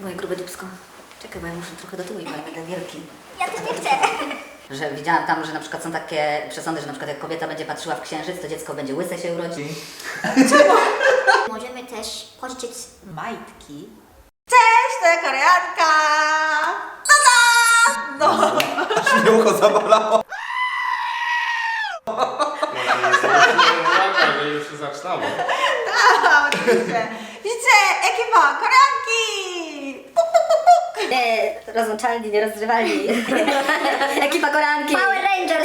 Moje grube dupsko. Czekaj, bo ja muszę trochę do tyłu i będę wielki. Ja też nie chcę. Że widziałam tam, że na przykład są takie przesądy, że na przykład jak kobieta będzie patrzyła w księżyc, to dziecko będzie łyse się urodzi. Możemy też pożyczyć majtki. Cześć, to ja Koreanka! Tada! No. Śmiałko zabolało. że już się zaczynało. Tak, oczywiście. Widzicie, ekipa Koreanki! Puk, puk, puk, puk. Nie, rozłączalni, nierozrywalni. Ekipa koranki. Power Rangers.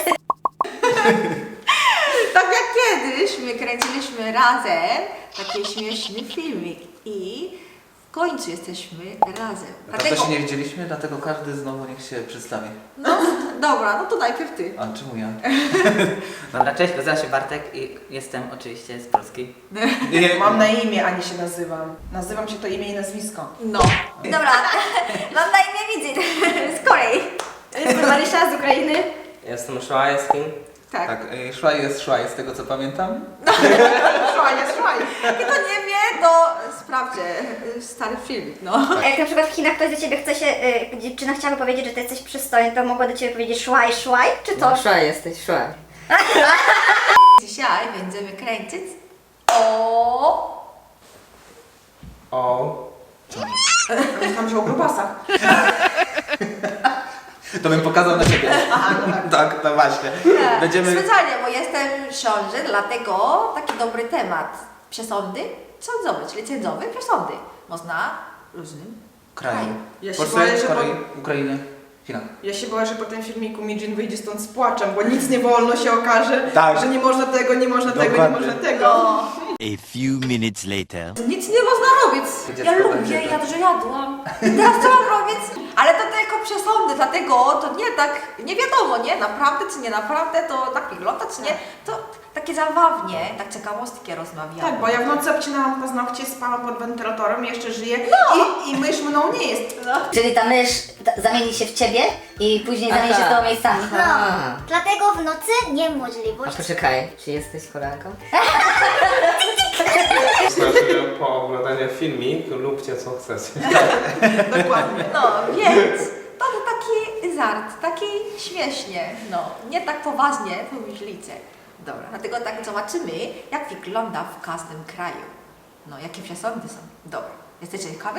Tak jak kiedyś my kręciliśmy razem taki śmieszny filmik i w końcu jesteśmy razem. Dlatego się nie widzieliśmy, dlatego każdy znowu niech się przedstawi. No, dobra, no to najpierw ty. A czemu ja? Dobra, cześć, nazywam się Bartek i jestem oczywiście z Polski. Nie, Mam na imię, a nie się nazywam. Nazywam się to imię i nazwisko. No. Dobra, mam na imię Widzin z Korei. Jestem Marysia z Ukrainy. Jestem Szłajewskim. Tak. Tak, szłaj z tego co pamiętam. Szłaj. Kto nie wie, to sprawdźcie stary filmik, no. A jak na przykład w Chinach ktoś do ciebie chce się, dziewczyna chciałaby powiedzieć, że ty jesteś przystojny, to mogła do ciebie powiedzieć szłaj, czy to? No, szłaj jesteś, szłaj. Dzisiaj będziemy kręcić o... O. Myślałam, że o grubasach. To bym pokazał na ciebie. Aha, no tak. Tak, no właśnie. Będziemy... Specjalnie, bo jestem w ciąży, dlatego taki dobry temat. Przesądy sądowe, czyli sędziowe przesądy. Można różnym Kraju. Ja się Polsce, boję, że Korei, Ukrainy, Chinach. Ja się boję, że po tym filmiku Mijin wyjdzie stąd z płaczem, bo nic nie wolno się okaże, Tak. że nie można tego, nie można tego, nie Dokładnie. można tego. No, A few minutes later. nic nie można robić. Dziecko Ja lubię, będzie, ja dużo jadłam. Teraz co mam robić? Ale to tylko przesądy, dlatego to nie tak, nie wiadomo, nie? Naprawdę czy nie naprawdę, to tak wygląda czy nie? To takie zabawnie, tak ciekawostki rozmawiamy. Tak, bo ja w nocy obcinałam paznokcie, spałam pod wentylatorem, jeszcze żyję i mysz mną nie jest. Czyli ta mysz zamieni się w ciebie i później zamieni się z tobą miejscami. No, dlatego w nocy niemożliwość. Poczekaj, czy jesteś Koreanką? Znaczy, po oglądaniu filmik lubcie co chcecie. Dokładnie. No, więc to taki żart, taki śmiesznie, no, nie tak poważnie pomyślicie. Dobra, dlatego tak zobaczymy, jak wygląda w każdym kraju. No, jakie przesądy są. Dobra, jesteście ciekawi?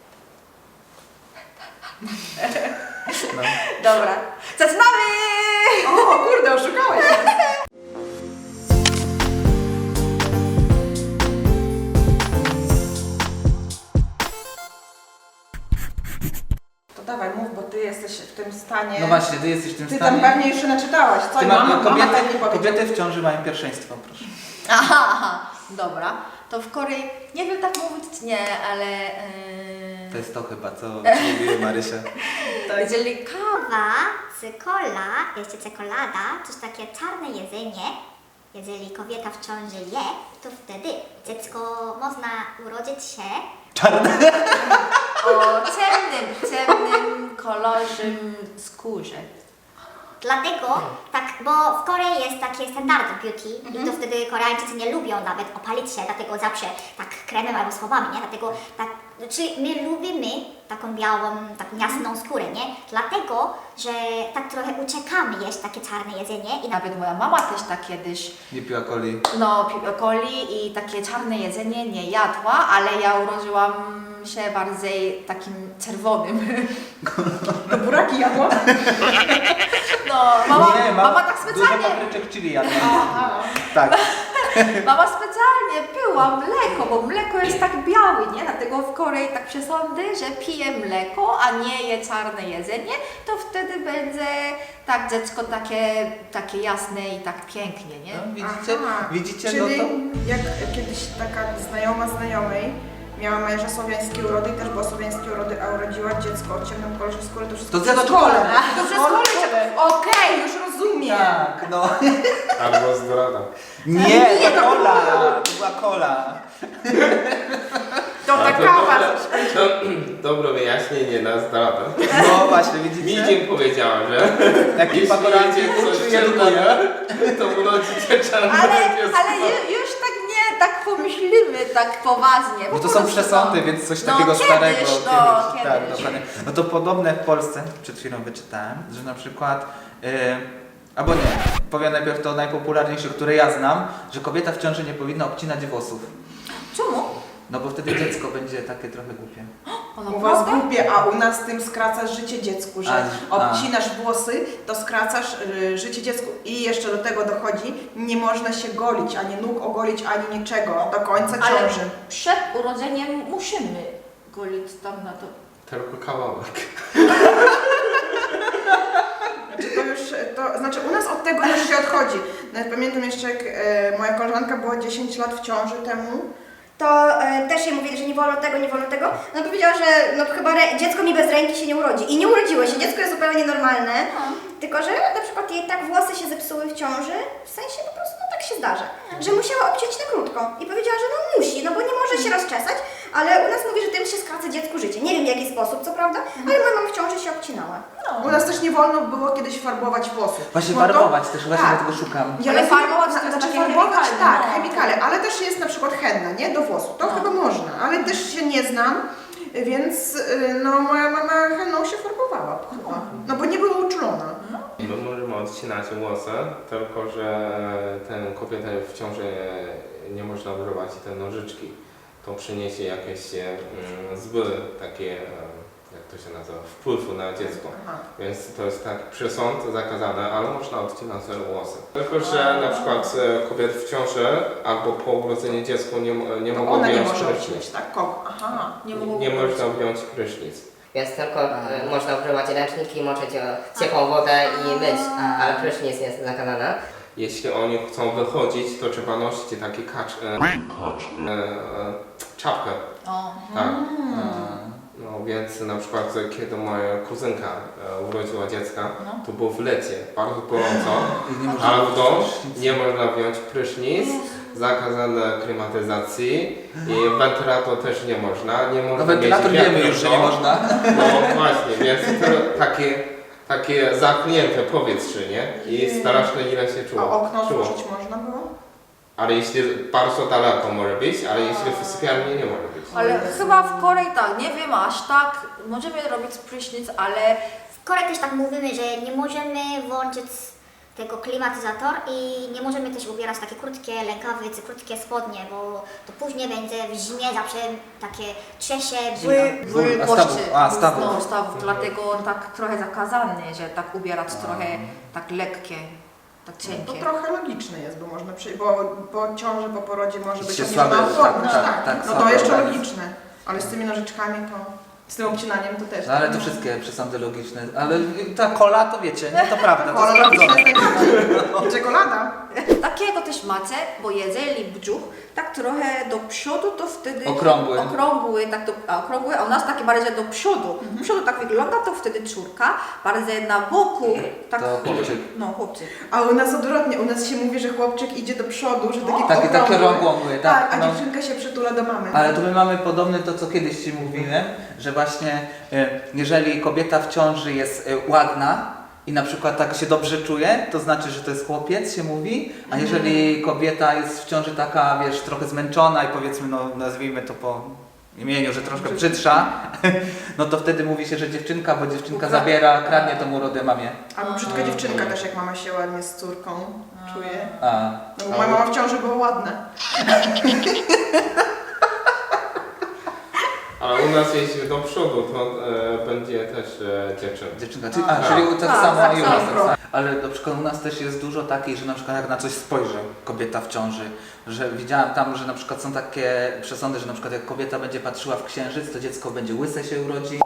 No. Dobra, zaczynamy! O kurde, oszukałeś nas. To dawaj, mów, bo ty jesteś w tym stanie. No właśnie, ty jesteś w tym Ty stanie. tam pewnie jeszcze naczytałaś, co? Ty I ma, mama tak nie powiedziała. kobiety w ciąży mają pierwszeństwo, proszę. Aha, dobra. To w Korei, nie wiem tak mówić czy nie, ale... To jest to chyba, co mówi Marysia. jeżeli Kawa, cykola, jeszcze czekolada, coś takie czarne jedzenie. Jeżeli kobieta w ciąży je, to wtedy dziecko można urodzić się o ciemnym kolorze skórze. Dlatego, tak, bo w Korei jest takie standardy beauty i to wtedy Koreańczycy nie lubią nawet opalić się, dlatego zawsze tak kremem albo słowami, nie? Dlatego tak, czyli my lubimy taką białą, taką jasną skórę, nie? Dlatego, że tak trochę uciekamy jeść takie czarne jedzenie I nawet moja mama też tak kiedyś, Nie piła coli. no, piła coli i takie czarne jedzenie nie jadła, ale ja urodziłam się bardziej takim czerwonym. To buraki jadła? No, mama, Nie, mama tak Dużo specjalnie, papryczek chili jadła. Tak. mama specjalnie piła mleko, bo mleko jest tak białe, nie? Dlatego w Korei tak przesądy, że pije mleko, a nie je czarne jedzenie, to wtedy będzie tak dziecko takie jasne i tak pięknie, nie? No, widzicie? Aha. Widzicie? Czyli No to... jak kiedyś taka znajoma znajomej miała męża słowiańskiej urody i też była słowiańskiej urody, a urodziła dziecko o ciemnym kolorze skóry, to wszystko To przez dziecko. szkole. To przez szkole. Okej, już rozumiem. Tak, no. Albo zdrada. Nie, to kola! To była kola. To A ta to kawa. dobre wyjaśnienie na zdradę. No właśnie, widzicie? Mijin powiedziała, że Ekipa koreańska jeśli coś uczuje czerwone, to urodzicie czarne Ale dziecko. już tak nie tak pomyślimy, tak poważnie. Bo po to są prostu, przesądy, no. więc coś No, takiego kiedyś, starego. no, Tak, kiedyś. dokładnie. No to podobne w Polsce, przed chwilą wyczytałem, że na przykład, albo nie, powiem najpierw to najpopularniejsze, które ja znam, że kobieta w ciąży nie powinna obcinać włosów. Czemu? No bo wtedy dziecko będzie takie trochę głupie. U was głupie, a u nas tym skracasz życie dziecku, że obcinasz włosy, to skracasz życie dziecku. I jeszcze do tego dochodzi, nie można się golić, ani nóg ogolić, ani niczego do końca Ale ciąży. przed urodzeniem musimy golić tam na to. Tylko kawałek. To już, to znaczy u nas od tego już się odchodzi. Nawet pamiętam jeszcze, jak moja koleżanka była 10 lat w ciąży temu, to też jej mówili, że nie wolno tego, nie wolno tego. No powiedziała, że no chyba dziecko mi bez ręki się nie urodzi. I nie urodziło się, dziecko jest zupełnie normalne. Tylko, że na przykład jej tak włosy się zepsuły w ciąży, w sensie po prostu no tak się zdarza, że musiała obciąć na krótko. I powiedziała, że no musi, no bo nie może się rozczesać, ale u nas mówi, że tym się skraca dziecku życie. Nie wiem w jaki sposób, co prawda, ale moja mama w ciąży się obcinała. u nas też nie wolno było kiedyś farbować włosów. Właśnie Bo to- farbować też, właśnie tak. dlatego szukam. Ja Ale rozumiem, farbować to jest znaczy takie farbować, chemikale, tak, no. chemikale, ale też jest na przykład henna, nie? Do włosów. To chyba można, ale też się nie znam, więc no moja mama henną się farbowała chyba. No bo nie była uczulona. My możemy odcinać włosy, tylko że ten kobieta w ciąży nie można używać te nożyczki. To przyniesie jakieś złe takie, jak to się nazywa, wpływ na dziecko. Aha. Więc to jest tak przesąd zakazane, ale można odcinać sobie włosy. Tylko że na przykład kobiety w ciąży albo po urodzeniu dziecka nie To mogą ona nie wziąć może prysznic. odcinać, tak? Kogo? Aha. Nie można wziąć prysznic. Więc tylko można używać ręczniki, moczyć ciepłą wodę i myć, ale prysznic jest zakazana. Jeśli oni chcą wychodzić, to trzeba nosić taki czapkę. Tak. No więc na przykład kiedy moja kuzynka urodziła dziecka, to było w lecie, bardzo gorąco, ale w domu nie można wziąć prysznic, zakazane klimatyzacji i wentylator też nie można. Nie można No wentylator mieć wiemy już, że nie można. No właśnie, więc to takie zamknięte powietrze, nie? I strasznie ile się czuło. A okno czuło. otworzyć można było? Ale jeśli bardzo daleko może być, ale jeśli w sypialni nie może być. Ale chyba w Korei tak, nie wiem aż tak, możemy robić prysznic, ale W Korei też tak mówimy, że nie możemy włączyć tego klimatyzator i nie możemy też ubierać takie krótkie rękawice, krótkie spodnie, bo to później będzie w zimie zawsze takie trzesie, ból. A stawów. No, stawów, dlatego tak trochę zakazane, że tak ubierać trochę tak lekkie, tak To cienkie. trochę logiczne jest, bo można przyjść, bo po ciąży, po porodzie może być Się obniżona słabe, odporność, tak, No to słabe jeszcze organizm. logiczne, ale z tymi nożyczkami to, z tym obcinaniem to też. No ale to wszystkie przesądy logiczne. Ale ta kola to wiecie, nie? To prawda, to Kola logiczna sprawdzone. jest najbardziej. I czekolada. Takiego też macie, bo jeżeli brzuch tak trochę do przodu, to wtedy Okrągły. okrągły, a u nas takie bardziej do przodu. Do przodu tak wygląda, to wtedy czurka, bardziej na boku, tak To chłopczyk. No, chłopczyk. A u nas odwrotnie, u nas się mówi, że chłopczyk idzie do przodu, że taki Takie okrągły. okrągłe, Tak, a no. dziewczynka się przytula do mamy. Ale to my mamy podobne to, co kiedyś Ci mówiłem, że właśnie jeżeli kobieta w ciąży jest ładna i na przykład tak się dobrze czuje, to znaczy, że to jest chłopiec, się mówi, a jeżeli kobieta jest w ciąży taka, wiesz, trochę zmęczona i powiedzmy, no nazwijmy to po imieniu, że troszkę brzydsza, no to wtedy mówi się, że dziewczynka, bo dziewczynka zabiera, kradnie tą urodę mamie. Albo brzydka dziewczynka też, jak mama się ładnie z córką czuje. A. No bo moja mama w ciąży była ładna. Ale u nas jeśli do przodu, to będzie też dziewczynka. Dziewczynka, czyli tak tak, samo tak i u nas. samo. Tak samo. Ale na przykład u nas też jest dużo takich, że na przykład jak na coś spojrzy kobieta w ciąży, że widziałam tam, że na przykład są takie przesądy, że na przykład jak kobieta będzie patrzyła w księżyc, to dziecko będzie łyse się urodzi.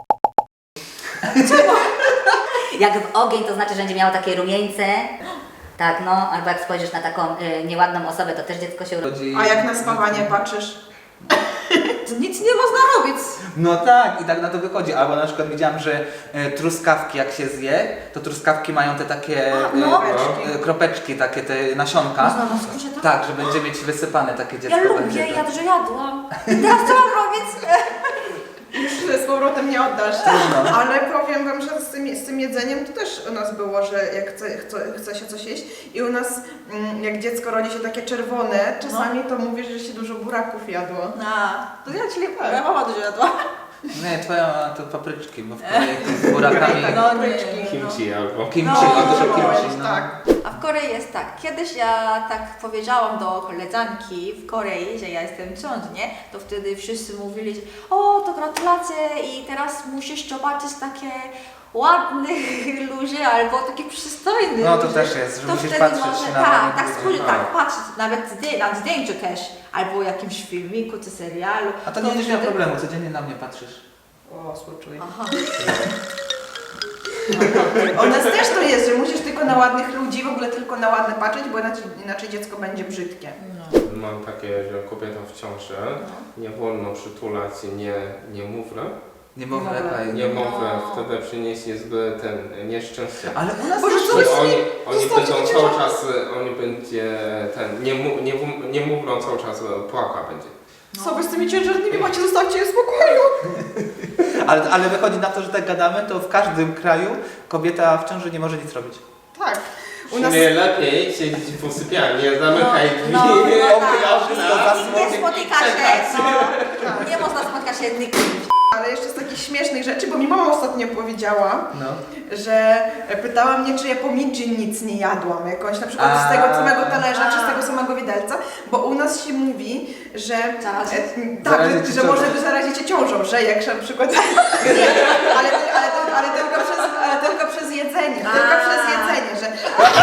Jak w ogień, to znaczy, że będzie miało takie rumieńce. Tak, no, albo jak spojrzysz na taką nieładną osobę, to też dziecko się urodzi. A jak na spawanie patrzysz? To nic nie można robić. No tak, i tak na to wychodzi. Albo na przykład widziałam, że truskawki jak się zje, to truskawki mają te takie kropeczki, takie te nasionka. Można na skórze tak? Tak, że będzie mieć wysypane takie dziecko. Ja lubię, będzie, że jadłam. I teraz co mam robić? że z powrotem nie oddasz. Ale powiem wam, że z tym jedzeniem to też u nas było, że jak chce się coś jeść i u nas jak dziecko rodzi się takie czerwone, czasami to mówisz, że się dużo buraków jadło. To ja, czyli moja mama dużo jadła. Nie, twoja mama to papryczki, bo w Korei z burakami. Kimchi albo... Kimchi, dużo kimchi, no. Tak. A w Korei jest tak, kiedyś ja tak powiedziałam do koleżanki w Korei, że ja jestem w ciąży, nie? To wtedy wszyscy mówili, że o, to gratulacje i teraz musisz zobaczyć takie ładne ludzie albo takie przystojne No to ludzie. też jest, że To musisz wtedy patrzeć może, na tak, ładnych tak, ludzi. spojrzeć, tak, patrzeć nawet na zdjęciu też, albo jakimś filmiku czy serialu. A to nie będziesz miał wtedy- problemu, codziennie na mnie patrzysz. O, współczuję. Aha. U nas też to jest, że musisz tylko na ładnych ludzi, w ogóle tylko na ładne patrzeć, bo inaczej dziecko będzie brzydkie. Mam takie, że kobieta w ciąży nie wolno przytulać niemowlę. Niemowlę wtedy przyniesie zły ten nieszczęście. Ale u nas Boże, też co jest. Oni będą cały czas, oni będzie ten, niemowlą cały czas płaka będzie. Co wy z tymi ciężarnymi macie? Zostawcie je w spokoju. Ale wychodzi na to, że tak gadamy, to w każdym kraju kobieta w ciąży nie może nic robić. Tak. U U nas... lepiej siedzieć w sypialni, nie zamykaj drzwi, Nie spotyka się, nie można spotkać się nikim. Ale jeszcze z takich śmiesznych rzeczy, bo mi mama ostatnio powiedziała, No. że pytała mnie, czy ja po midży nic nie jadłam, jakąś na przykład z tego samego talerza, czy z tego samego widelca, bo u nas się mówi, że tak, że może wy zarazicie ciążą, że jak na przykład ale tylko przez jedzenie, tylko przez jedzenie, że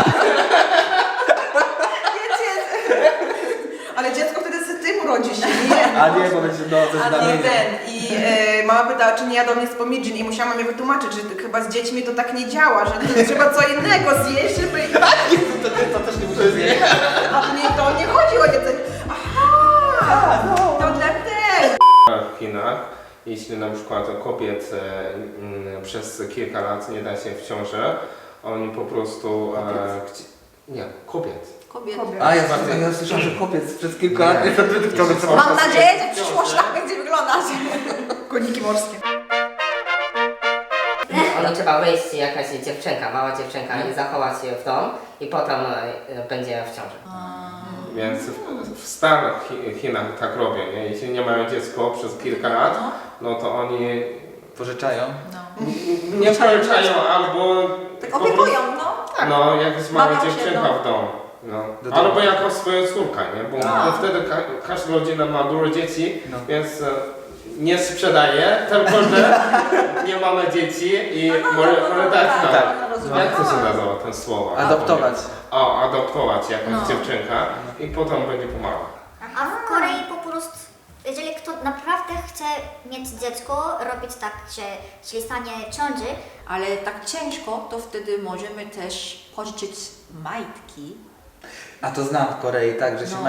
ale dziecko wtedy z tym rodzi się, nie? A nie, bo będzie ze znamieniem. I mama pytała, czy nie jadą mnie z pomidżin i musiałam mamie wytłumaczyć, że chyba z dziećmi to tak nie działa, że trzeba co innego zjeść, żeby... To też nie muszę zjeść. A to nie chodzi o jedzenie. Aha, to dlatego. W Chinach, jeśli na przykład kobiet przez kilka lat nie da się w ciąży, oni po prostu... kobiet. A ja słyszałem, że kobiet przez kilka lat nie będę w ciąży. Mam nadzieję, że przyszłość tak będzie wyglądać. Koniki morskie. Ono trzeba wejść jakaś dziewczynka, mała dziewczynka i zachować się w dom i potem będzie w ciąży. Więc w starych Chinach tak robią, nie? Jeśli nie mają dziecko przez kilka lat, no to oni Pożyczają? nie pożyczają albo... Tak opiekują, no. No, jak mała Bawią się, dziewczynka no. w domu. No. Do domu. Albo jako swoja córka, nie? Bo wtedy każda rodzina ma dużo dzieci, więc nie sprzedaje, tylko że nie mamy dzieci i może tak. Jak to się nazywa ten słowo? Adoptować. O, adoptować jakąś dziewczynkę i potem będzie pomagał. A w Korei po prostu, jeżeli kto naprawdę chce mieć dziecko, robić tak, że czyli stanie ciąży, Ale tak ciężko, to wtedy możemy też pożyczyć majtki. A to znam w Korei, tak, że się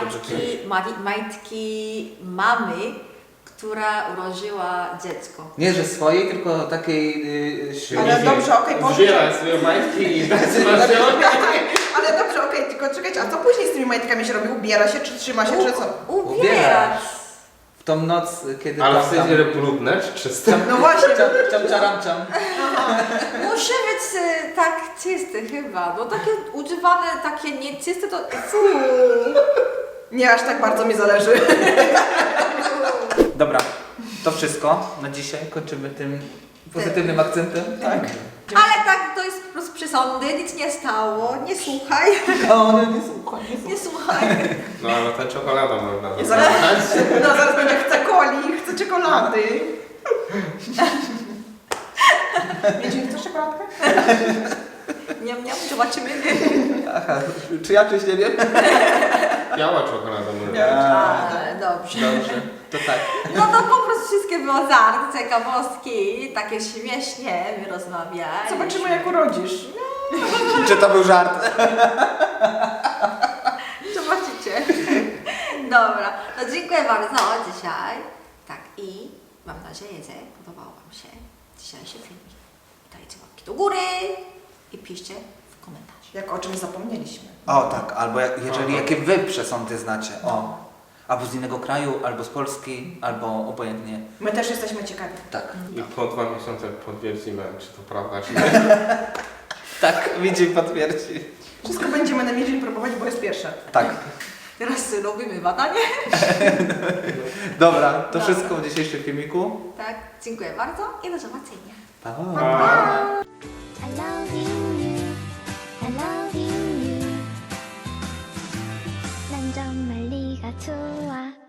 majtki mamy, która urodziła dziecko. Nie, że swojej, tylko takiej... Ale dobrze, okej, Zbieraj swoje majtki i daj sobie Ale dobrze, okej, tylko czekajcie, a co później z tymi majtkami się robi? Ubiera się, czy trzyma się, czy co? Ubierać. W tą noc, kiedy... Ale w sensie brudne czy czyste? No właśnie. Czam, czaram, czam. Musi być tak czyste chyba, bo takie używane, takie nieczyste to... Nie aż tak bardzo mi zależy. Dobra, to wszystko na dzisiaj. Kończymy tym pozytywnym akcentem. Tak. Ale tak, to jest po prostu przesądy, nic nie stało, nie słuchaj. O, nie słuchaj. Nie słuchaj. No ale ta czekolada można Zaraz będzie chce coli, chce czekolady. Miedzin, chcesz czekoladkę? Nie, zobaczymy. Aha, czy ja czyś nie wiem? Biała czekolada można. Dobrze. Dobrze, to tak. No to po prostu wszystkie było żart, ciekawostki, takie śmiesznie my rozmawiali. Zobaczymy jak urodzisz. Czy to był żart? Zobaczycie. Dobra, no dziękuję bardzo dzisiaj. Tak i mam nadzieję, że podobał Wam się dzisiejszy filmik. Dajcie łapki do góry i piszcie w komentarzu. Jak o czymś zapomnieliśmy. O tak, albo jeżeli jakie wy przesądy znacie. O. albo z innego kraju, albo z Polski, albo obojętnie. My też jesteśmy ciekawi. Tak. I po 2 miesiące potwierdzimy, czy to prawda, czy nie. Tak, widzi potwierdzi. Wszystko będziemy na niedzielę próbować, bo jest pierwsze. Tak. Teraz robimy badanie. Dobra, to wszystko w dzisiejszym filmiku. Tak, dziękuję bardzo i do zobaczenia. Pa! I love you, I love you. 난 정말 네가 좋아.